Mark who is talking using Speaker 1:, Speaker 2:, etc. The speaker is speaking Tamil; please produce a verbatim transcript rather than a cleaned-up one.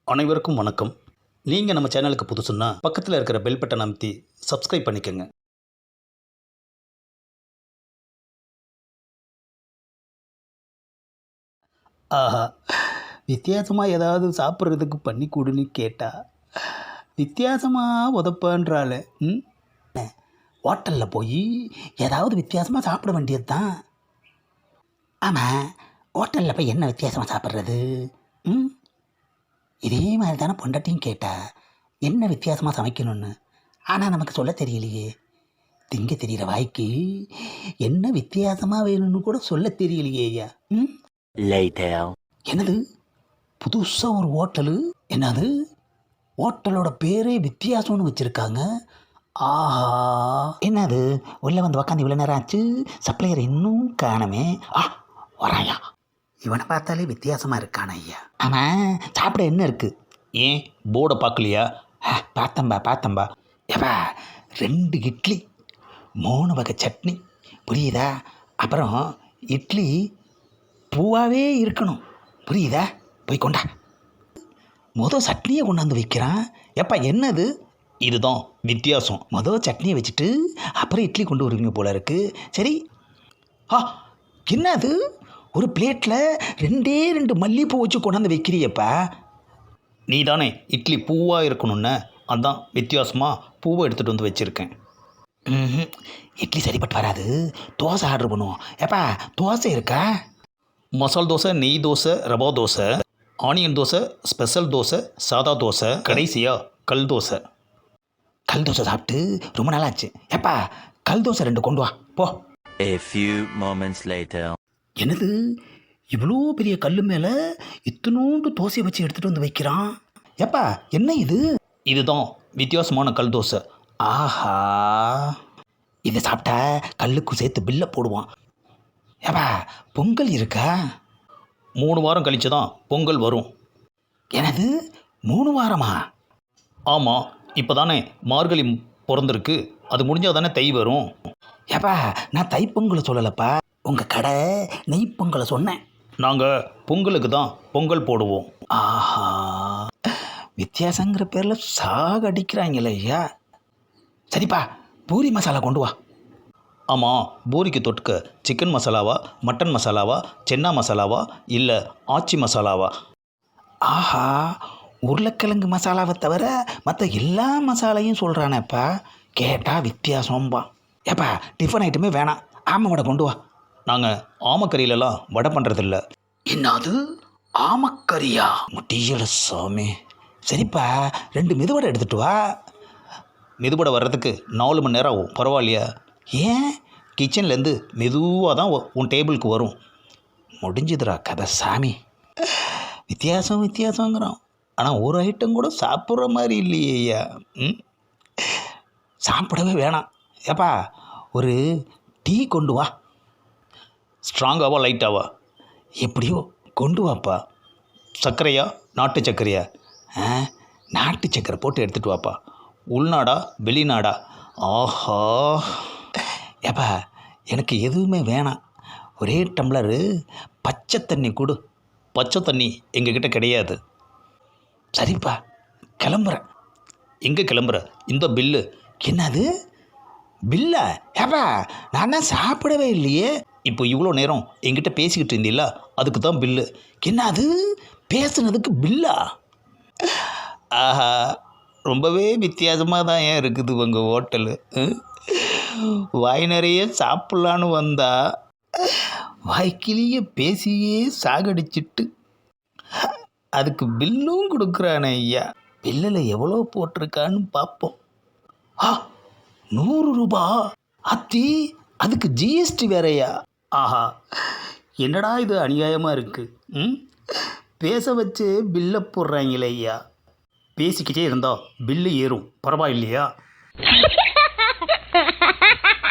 Speaker 1: அனைவருக்கும் வணக்கம். நீங்கள் நம்ம சேனலுக்கு புதுசுன்னா பக்கத்தில் இருக்கிற பெல் பட்டன் அமைத்தி சப்ஸ்கிரைப் பண்ணிக்கோங்க. ஆஹா, வித்தியாசமாக ஏதாவது சாப்பிட்றதுக்கு பண்ணி கொடுன்னு கேட்டால் வித்தியாசமாக உதப்பான்றால. ம் ஹோட்டலில் போய் ஏதாவது வித்தியாசமாக சாப்பிட வேண்டியது தான். ஆமாம், ஹோட்டலில் போய் என்ன வித்தியாசமாக சாப்பிட்றது? ம் இதே மாதிரி தானே பொண்டாட்டியும் கேட்டா என்ன வித்தியாசமாக சமைக்கணும்னு. ஆனால் நமக்கு சொல்ல தெரியலையே. திங்க தெரிகிற வாய்க்கு என்ன வித்தியாசமாக வேணும்னு கூட சொல்ல தெரியலையே ஐயா. ம் என்னது புதுசாக ஒரு ஹோட்டலு? என்னது ஹோட்டலோட பேரே வித்தியாசம்னு வச்சுருக்காங்க. ஆஹா, என்னது உள்ளே வந்து உக்காந்து இவ்வளோ நேரம் ஆச்சு, சப்ளையர் இன்னும் காணமே. ஆ வராயா, இவனை பார்த்தாலே வித்தியாசமாக இருக்கான ஐயா. ஆமாம், சாப்பிட என்ன இருக்குது? ஏன் போர்டை பார்க்கலையா? பார்த்தம்பா பார்த்தம்பா ஏப்பா, ரெண்டு இட்லி, மூணு வகை சட்னி, புரியுதா? அப்புறம் இட்லி பூவாகவே இருக்கணும், புரியுதா? போய் கொண்டா. மொதல் சட்னியை கொண்டாந்து வைக்கிறான். எப்பா என்னது? இதுதான் வித்தியாசம். மொதல் சட்னியை வச்சுட்டு அப்புறம் இட்லி கொண்டு வருவீங்க போல இருக்கு. சரி. ஆ என்னது, ஒரு பிளேட்டில் ரெண்டே ரெண்டு மல்லிகைப்பூ வச்சு கொண்டாந்து வைக்கிறியப்பா. நீ தானே இட்லி பூவாக இருக்கணும்னு, அதான் வித்தியாசமாக பூவை எடுத்துகிட்டு வந்து வச்சுருக்கேன். ம் இட்லி சரிப்பட்டு வராது, தோசை ஆர்டர் பண்ணுவோம். ஏப்பா தோசை இருக்கா? மசால் தோசை, நெய் தோசை, ரவா தோசை, ஆனியன் தோசை, ஸ்பெஷல் தோசை, சாதா தோசை, கடைசியாக கல் தோசை. கல் தோசை சாப்பிட்டு ரொம்ப நாளாச்சு. ஏப்பா கல் தோசை ரெண்டு கொண்டு வா போ.
Speaker 2: A few moments later.
Speaker 1: என்னது இவ்வளோ பெரிய கல் மேலே இத்தனோண்டு தோசையை வச்சு எடுத்துகிட்டு வந்து வைக்கிறான். ஏப்பா என்ன இது? இதுதான் வித்தியாசமான கல் தோசை. ஆஹா, இதை சாப்பிட்டா கல்லுக்கு சேர்த்து பில்லை போடுவான். ஏப்பா பொங்கல் இருக்கா? மூணு வாரம் கழிச்சு தான் பொங்கல் வரும். எனது மூணு வாரமா? ஆமாம், இப்போ தானே மார்கழி பிறந்திருக்கு, அது முடிஞ்சால் தானே தை வரும். ஏப்பா நான் தைப்பொங்கலை சொல்லலப்பா, உங்கள் கடை நெய் பொங்கலை சொன்னேன். நாங்கள் பொங்கலுக்கு தான் பொங்கல் போடுவோம். ஆஹா, வித்தியாசங்கிற பேரில் சாக அடிக்கிறாங்களே ஐயா. சரிப்பா, பூரி மசாலா கொண்டு வா. ஆமாம், பூரிக்கு தொட்டுக்க சிக்கன் மசாலாவா, மட்டன் மசாலாவா, சென்னா மசாலாவா, இல்லை ஆச்சி மசாலாவா? ஆஹா, உருளைக்கிழங்கு மசாலாவை தவிர மற்ற எல்லா மசாலையும் சொல்கிறானேப்பா. கேட்டால் வித்தியாசம்பா. ஏப்பா டிஃபன் ஐட்டமே வேணாம், ஆமை வடை கொண்டு வா. நாங்கள் ஆமக்கறியிலலாம் வடை பண்ணுறதில்ல. என்னது ஆமக்கறியா? முடியல சாமி. சரிப்பா, ரெண்டு மெதுவடை எடுத்துகிட்டு வா. மெதுவடை வர்றதுக்கு நாலு மணி நேரம் ஆகும், பரவாயில்லையா? ஏன்? கிச்சன்லேருந்து மெதுவாக தான் உன் டேபிளுக்கு வரும். முடிஞ்சுதுரா கதை சாமி. வித்தியாசம் வித்தியாசங்கிறோம், ஆனால் ஒரு ஐட்டம் கூட சாப்பிட்ற மாதிரி இல்லையே ஐயா. ம் சாப்பிடவே வேணாம். ஏப்பா ஒரு டீ கொண்டு வா. ஸ்ட்ராங்காவா லைட்டாவா? எப்படியோ கொண்டு வாப்பா. சர்க்கரையா நாட்டு சர்க்கரையா? ஆ நாட்டு சர்க்கரை போட்டு எடுத்துகிட்டு வாப்பா. உள்நாடா வெளிநாடா? ஆஹா, ஏப்பா எனக்கு எதுவுமே வேணாம், ஒரே டம்ளரு பச்சை தண்ணி கொடு. பச்சை தண்ணி எங்ககிட்ட கிடையாது. சரிப்பா, கிளம்புறேன். எங்கே கிளம்புற? இந்த பில்லு. என்னது பில்லா? ஏப்பா நான் தான் சாப்பிடவே இல்லையே. இப்போ இவ்வளோ நேரம் என்கிட்ட பேசிக்கிட்டு இருந்தீல்ல, அதுக்கு தான் பில்லு. என்னது பேசுனதுக்கு பில்லா? ஆஹா, ரொம்பவே வித்தியாசமாக தான் ஏன் இருக்குது உங்கள் ஹோட்டலு. வாய் நிறைய சாப்பிட்லான்னு வந்தா வாய்க்கிலேயே பேசியே சாகடிச்சிட்டு அதுக்கு பில்லும் கொடுக்குறானே ஐயா. பில்லில் எவ்வளோ போட்டிருக்கான்னு பார்ப்போம். ஆ நூறு ரூபா அத்தி, அதுக்கு ஜிஎஸ்டி வேறையா? ஆஹா, என்னடா இது அநியாயமாக இருக்குது. ம் பேச வச்சு பில்லை போடுறாங்களே ஐயா. பேசிக்கிட்டே இருந்தால் பில்லு ஏறும், பரவாயில்லையா?